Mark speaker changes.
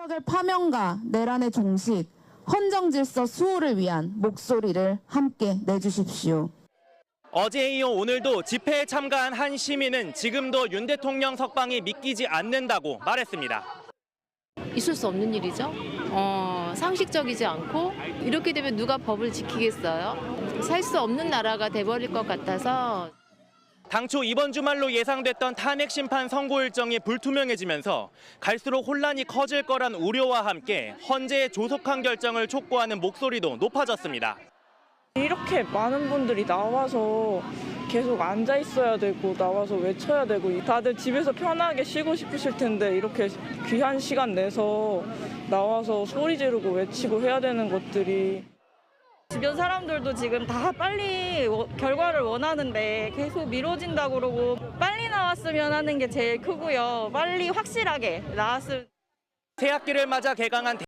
Speaker 1: 윤석열 파면과 내란의 종식, 헌정질서 수호를 위한 목소리를 함께 내주십시오.
Speaker 2: 어제에 이어 오늘도 집회에 참가한 한 시민은 지금도 윤 대통령 석방이 믿기지 않는다고 말했습니다.
Speaker 3: 있을 수 없는 일이죠. 상식적이지 않고 이렇게 되면 누가 법을 지키겠어요? 살 수 없는 나라가 돼버릴 것 같아서.
Speaker 2: 당초 이번 주말로 예상됐던 탄핵 심판 선고 일정이 불투명해지면서 갈수록 혼란이 커질 거란 우려와 함께 헌재의 조속한 결정을 촉구하는 목소리도 높아졌습니다.
Speaker 4: 이렇게 많은 분들이 나와서 계속 앉아 있어야 되고 나와서 외쳐야 되고 다들 집에서 편하게 쉬고 싶으실 텐데 이렇게 귀한 시간 내서 나와서 소리 지르고 외치고 해야 되는 것들이
Speaker 5: 주변 사람들도 지금 다 빨리 결과를 원하는데 계속 미뤄진다고 그러고 빨리 나왔으면 하는 게 제일 크고요. 빨리 확실하게 나왔으면.
Speaker 2: 새학기를 맞아 개강한